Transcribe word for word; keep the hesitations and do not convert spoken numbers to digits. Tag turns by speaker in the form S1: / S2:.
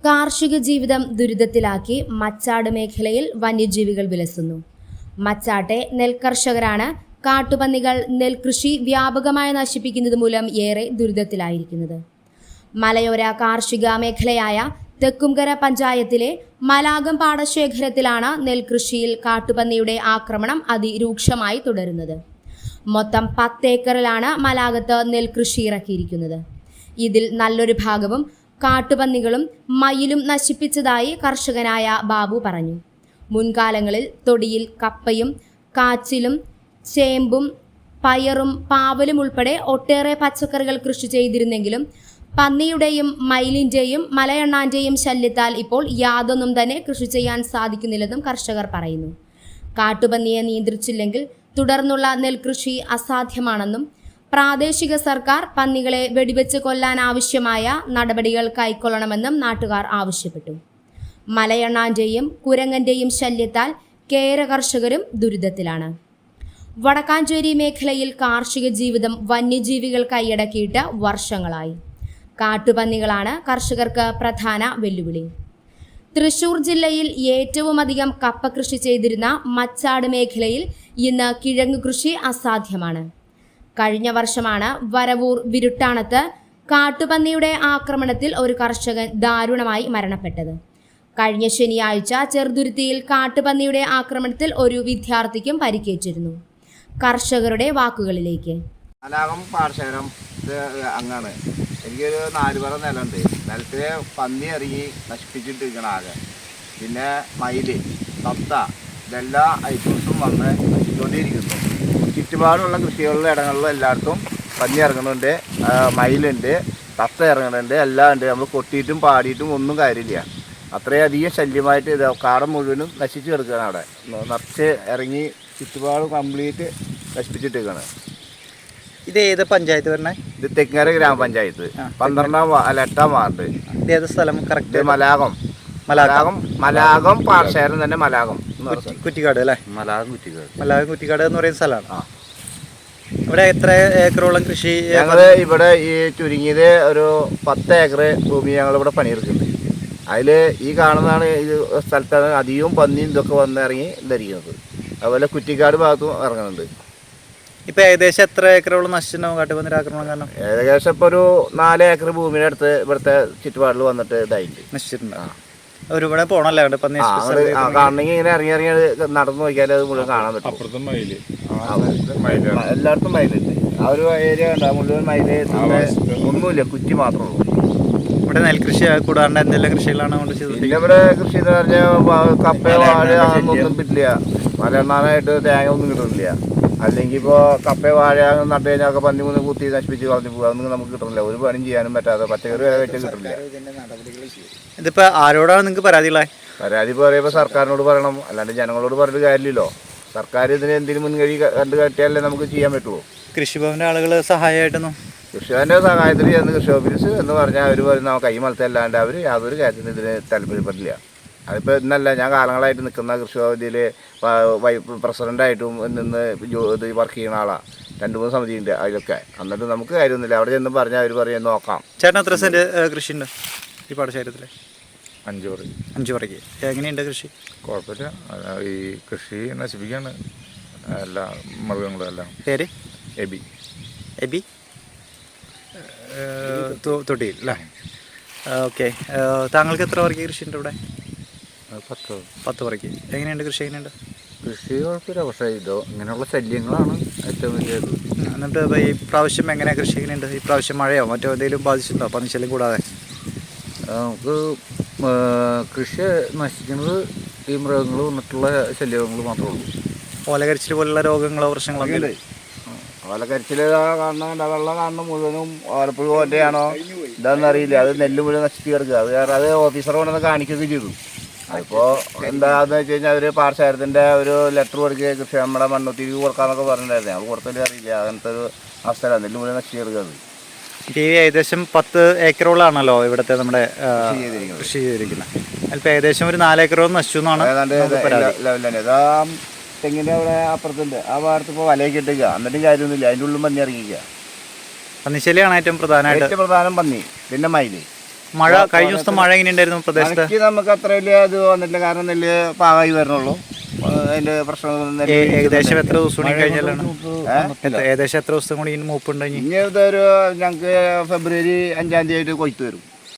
S1: കാർഷിക ജീവിതം ദുരിതത്തിലാക്കി മച്ചാട് മേഖലയിൽ വന്യജീവികൾ വിലസുന്നു. മച്ചാട്ടെ നെൽകർഷകരാണ് കാട്ടുപന്നികൾ നെൽകൃഷി വ്യാപകമായി നശിപ്പിക്കുന്നത് മൂലം ഏറെ ദുരിതത്തിലായിരിക്കുന്നത്. മലയോര കാർഷിക മേഖലയായ തെക്കുംകര പഞ്ചായത്തിലെ മലാകം പാടശേഖരത്തിലാണ് നെൽകൃഷിയിൽ കാട്ടുപന്നിയുടെ ആക്രമണം അതിരൂക്ഷമായി തുടരുന്നത്. മൊത്തം പത്ത് ഏക്കറിലാണ് മലാകത്ത് നെൽകൃഷി ഇറക്കിയിരിക്കുന്നത്. ഇതിൽ നല്ലൊരു ഭാഗവും കാട്ടുപന്നികളും മയിലും നശിപ്പിച്ചതായി കർഷകനായ ബാബു പറഞ്ഞു. മുൻകാലങ്ങളിൽ തൊടിയിൽ കപ്പയും കാച്ചിലും ചേമ്പും പയറും പാവലും ഉൾപ്പെടെ ഒട്ടേറെ പച്ചക്കറികൾ കൃഷി ചെയ്തിരുന്നെങ്കിലും പന്നിയുടെയും മയിലിന്റെയും മലയണ്ണാന്റെയും ശല്യത്താൽ ഇപ്പോൾ യാതൊന്നും തന്നെ കൃഷി ചെയ്യാൻ സാധിക്കുന്നില്ലെന്നും കർഷകർ പറയുന്നു. കാട്ടുപന്നിയെ നിയന്ത്രിച്ചില്ലെങ്കിൽ തുടർന്നുള്ള നെൽകൃഷി അസാധ്യമാണെന്നും പ്രാദേശിക സർക്കാർ പന്നികളെ വെടിവെച്ച് കൊല്ലാൻ ആവശ്യമായ നടപടികൾ കൈക്കൊള്ളണമെന്നും നാട്ടുകാർ ആവശ്യപ്പെട്ടു. മലയണ്ണാന്റെയും കുരങ്ങന്റെയും ശല്യത്താൽ കേര കർഷകരും ദുരിതത്തിലാണ്. വടക്കാഞ്ചേരി മേഖലയിൽ കാർഷിക ജീവിതം വന്യജീവികൾ കൈയടക്കിയിട്ട് വർഷങ്ങളായി. കാട്ടുപന്നികളാണ് കർഷകർക്ക് പ്രധാന വെല്ലുവിളി. തൃശൂർ ജില്ലയിൽ ഏറ്റവുമധികം കപ്പ കൃഷി ചെയ്തിരുന്ന മച്ചാട് മേഖലയിൽ ഇന്ന് കിഴങ്ങ് കൃഷി അസാധ്യമാണ്. കഴിഞ്ഞ വർഷമാണ് വരവൂർ വിരുട്ടാണത്ത് കാട്ടുപന്നിയുടെ ആക്രമണത്തിൽ ഒരു കർഷകൻ ദാരുണമായി മരണപ്പെട്ടത്. കഴിഞ്ഞ ശനിയാഴ്ച ചെറുതുരുത്തിയിൽ കാട്ടുപന്നിയുടെ ആക്രമണത്തിൽ ഒരു വിദ്യാർത്ഥിക്കും പരിക്കേറ്റിരുന്നു. കർഷകരുടെ വാക്കുകളിലേക്ക്.
S2: മലാകം പാടശേഖരം അങ്ങാണ്. എനിക്കൊരു നാല് പറ നിലമുണ്ട്. നിലത്തിലെ പന്നി ഇറങ്ങി നശിപ്പിച്ചിട്ടിരിക്കണം ആകെ. പിന്നെ മയില് തത്ത ഇതെല്ലാ ഐറ്റംസും വന്ന് നശിച്ചുകൊണ്ടിരിക്കുന്നു. ചുറ്റുപാടുള്ള കൃഷികളിലും ഇടങ്ങളിലും എല്ലായിടത്തും പന്നി ഇറങ്ങുന്നുണ്ട്, മയിലുണ്ട്, തത്ത ഇറങ്ങുന്നുണ്ട്, എല്ലാം ഉണ്ട്. നമ്മൾ കൊട്ടിയിട്ടും പാടിയിട്ടും ഒന്നും കാര്യമില്ല. അത്രയധികം ശല്യമായിട്ട് ഇത് കാടം മുഴുവനും നശിച്ചു കിടക്കുകയാണ്. അവിടെ നിറച്ച് ഇറങ്ങി ചുറ്റുപാട് കംപ്ലീറ്റ് നശിപ്പിച്ചിട്ടിരിക്കുകയാണ്.
S3: ഇത് ഏത് പഞ്ചായത്ത് പറഞ്ഞേ?
S2: ഇത് തെക്കര ഗ്രാമപഞ്ചായത്ത് പന്ത്രണ്ടാം അല്ല എട്ടാം വാർഡ്.
S3: ഏത് സ്ഥലം കറക്റ്റ്?
S2: മലാകം. മലാകം മലാകം പാടശേഖരം തന്നെ മലാകം
S3: കുറ്റിക്കാട് അല്ലേ?
S2: മലാകം കുറ്റിക്കാട്.
S3: മലാകം കുറ്റിക്കാട് എന്ന് പറയുന്ന സ്ഥലമാണ്. ഇവിടെ എത്ര ഏക്കറോളം കൃഷി?
S2: ഞങ്ങൾ ഇവിടെ ഈ ചുരുങ്ങിയത് ഒരു പത്ത് ഏക്കർ ഭൂമി ഞങ്ങൾ ഇവിടെ പണിയെടുക്കുന്നുണ്ട്. അതിൽ ഈ കാണുന്നതാണ് ഈ സ്ഥലത്താണ് അധികവും പന്നിയും ഇതൊക്കെ വന്ന് ഇറങ്ങി ധരിക്കുന്നത്. അതുപോലെ കുറ്റിക്കാട് ഭാഗത്തും ഇറങ്ങുന്നുണ്ട്.
S3: ഇപ്പം ഏകദേശം എത്ര ഏക്കറോളം നശിച്ചിട്ടുണ്ടാവും കാട്ടുപന്നിയുടെ ആക്രമണം കാരണം?
S2: ഏകദേശം ഇപ്പോൾ ഒരു നാല് ഏക്കർ ഭൂമിയുടെ അടുത്ത് ഇവിടുത്തെ ചുറ്റുപാടിൽ വന്നിട്ട് ഇതായിട്ട്
S3: നശിച്ചിട്ടുണ്ടാവും. ഒരുപാട് പോണല്ലേ പന്നി
S2: കാണണമെങ്കിൽ ഇങ്ങനെ ഇറങ്ങി ഇറങ്ങി നടന്നു നോക്കിയാൽ അത് മുഴുവൻ കാണാൻ പറ്റും. എല്ലായിടത്തും മയിലുണ്ട്. ആ ഒരു ഏരിയ ഉണ്ട്, മുഴുവൻ മയില് ഒന്നുമില്ല, കുറ്റി മാത്രമേ ഉള്ളൂ.
S3: ഇവിടെ നെൽകൃഷി കൂടാണ്ട് എന്തെല്ലാം കൃഷികളാണ് കൊണ്ട് ചെയ്തത്?
S2: പിന്നെ ഇവിടെ കൃഷി എന്ന് പറഞ്ഞാൽ കപ്പ വാഴ ഒന്നും പറ്റില്ല. മലയെണ്ണാനായിട്ട് തേങ്ങ ഒന്നും കിട്ടുന്നില്ല. അല്ലെങ്കിൽ ഇപ്പോൾ കപ്പ വാഴ നട്ട് കഴിഞ്ഞാൽ ഒക്കെ പന്നി മൂന്ന് കുത്തി നശിപ്പിച്ച് കളഞ്ഞു പോകുക, അതൊന്നും നമുക്ക് കിട്ടുന്നില്ല. ഒരു പണിയും ചെയ്യാനും പറ്റാതെ പച്ചക്കറി വരെ വെച്ചാൽ കിട്ടുന്നില്ല.
S3: ഇതിപ്പോൾ ആരോടാണ് നിങ്ങൾക്ക് പരാതികളായി?
S2: പരാതി പറയുമ്പോൾ സർക്കാരിനോട് പറയണം, അല്ലാണ്ട് ജനങ്ങളോട് പറഞ്ഞിട്ട് കാര്യമില്ലല്ലോ. സർക്കാർ ഇതിന് എന്തിനും മുൻകഴി കണ്ടു കാട്ടിയാലേ നമുക്ക് ചെയ്യാൻ പറ്റുള്ളൂ.
S3: കൃഷിഭവൻ്റെ ആളുകൾ സഹായമായിട്ടൊന്നും?
S2: കൃഷിഭവൻ്റെ സഹായത്തിൽ ചെന്ന് കൃഷി ഓഫീസ് എന്ന് പറഞ്ഞാൽ അവർ പറയുന്ന കൈ മലത്തല്ലാണ്ട് അവർ യാതൊരു കാര്യത്തിനും ഇതിന് താല്പര്യപ്പെടില്ല. അതിപ്പോൾ ഇന്നല്ല, ഞാൻ കാലങ്ങളായിട്ട് നിൽക്കുന്ന കൃഷി ഭവനിൽ പ്രസിഡൻ്റായിട്ടും നിന്ന് ഇത് വർക്ക് ചെയ്യുന്ന ആളാണ്. രണ്ട് മൂന്ന് സമിതിയുണ്ട് അതിലൊക്കെ. എന്നിട്ട് നമുക്ക് കാര്യമൊന്നുമില്ല. അവിടെ ചെന്ന് പറഞ്ഞാൽ അവർ പറയും നോക്കാം.
S3: ചേട്ടൻ എത്ര സെൻറ്റ് കൃഷിയുണ്ട് ഈ പാടശേഖരത്തിൽ?
S4: അഞ്ച് പറ.
S3: അഞ്ച് പറയ്ക്ക് എങ്ങനെയുണ്ട് കൃഷി?
S4: കുഴപ്പമില്ല. ഈ കൃഷി നശിപ്പിക്കുകയാണ് എല്ലാ മൃഗങ്ങളും എല്ലാം.
S3: പേര്?
S4: എബി.
S3: എബി തൊട്ടിയിൽ അല്ലേ? ഓക്കെ. താങ്കൾക്ക് എത്ര പറയ്ക്ക് കൃഷിയുണ്ട് ഇവിടെ?
S4: പത്ത്.
S3: പത്ത് പറയ്ക്ക്. എങ്ങനെയുണ്ട് കൃഷി? എങ്ങനെയുണ്ട്
S4: കൃഷി? കുഴപ്പമില്ല. പക്ഷേ ഇതോ ഇങ്ങനെയുള്ള ശല്യങ്ങളാണ് ഏറ്റവും വലിയത്.
S3: എന്നിട്ട് ഈ പ്രാവശ്യം എങ്ങനെയാണ് കൃഷി? എങ്ങനെയുണ്ട് ഈ പ്രാവശ്യം? മഴയോ മറ്റോ എന്തെങ്കിലും ബാധിച്ചിട്ടുണ്ടോ പന്നിശല്യം കൂടാതെ?
S4: നമുക്ക് കൃഷി നശിക്കുന്നത് ഈ മൃഗങ്ങൾ വന്നിട്ടുള്ള ശല്യങ്ങൾ മാത്രമേ ഉള്ളൂ.
S3: ഓലകരിച്ചിൽ പോലുള്ള രോഗങ്ങളോ പ്രശ്നങ്ങളോ?
S2: ഓലക്കരിച്ചിൽ കാണുന്ന വെള്ളം കാണുന്ന മുഴുവനും ഓലപ്പുഴ പോലെയാണോ ഇതാണെന്ന് അറിയില്ല. അത് നെല്ല് മുഴുവൻ നശിച്ച് കിടക്കുക. അത് കാരണം അത് ഓഫീസർ കൊണ്ടുവന്ന് കാണിക്കുകയൊക്കെ ചെയ്തു. അതിപ്പോൾ എന്താണെന്ന് വെച്ച് കഴിഞ്ഞാൽ അവർ പാടശേഖരത്തിൻ്റെ ഒരു ലെറ്റർ കൊടുക്കുക, കൃഷി നമ്മുടെ മണ്ണുത്തിരിക്ക് കൊടുക്കാമെന്നൊക്കെ പറഞ്ഞിട്ടുണ്ടായിരുന്നു. അത് കൊടുത്തല്ലേ അറിയില്ല. അങ്ങനത്തെ ഒരു അവസ്ഥയിലാണ് നെല്ല് മുഴുവൻ നശിച്ച് കിടക്കുന്നത്.
S3: ഈ ഏകദേശം പത്ത് ഏക്കറോളാണല്ലോ ഇവിടുത്തെ നമ്മുടെ കൃഷി ചെയ്തിരിക്കുന്നത്. അതിപ്പോൾ ഏകദേശം ഒരു നാലേക്കറോളം നശിച്ചു എന്നാണ്
S2: ലെവലാണ്. ഇതാ തെങ്ങിൻ്റെ അവിടെ അപ്പുറത്തുണ്ട്. ആ ഭാഗത്ത് ഇപ്പോൾ വലയൊക്കെ ഇട്ടിക്കുക. എന്നിട്ടും കാര്യമൊന്നുമില്ല. അതിൻ്റെ ഉള്ളിൽ പന്നി ഇറങ്ങിക്കുക.
S3: പന്നിശല്യമാണ് ഏറ്റവും പ്രധാനമായിട്ട്.
S2: ഏറ്റവും പ്രധാനം പന്നി, പിന്നെ മയില്.
S3: മഴ കഴിഞ്ഞ ദിവസത്തെ മഴ എങ്ങനെയുണ്ടായിരുന്നു പ്രദേശത്ത്?
S2: മഴയ്ക്ക് നമുക്ക് അത്ര വലിയ ഇത് വന്നിട്ടില്ല, കാരണം നെല്ല് പാകമായി വരണുള്ളൂ. അതിന്റെ പ്രശ്നം
S3: ഏകദേശം എത്ര ദിവസം കൂടി കഴിഞ്ഞാലാണ് ഏകദേശം എത്ര ദിവസം കൂടി മൂപ്പുണ്ടെങ്കിൽ?
S2: ഇനി ഇതൊരു ഞങ്ങൾക്ക് ഫെബ്രുവരി അഞ്ചാം തീയതി ആയിട്ട് കൊയ്ത്ത് വരും.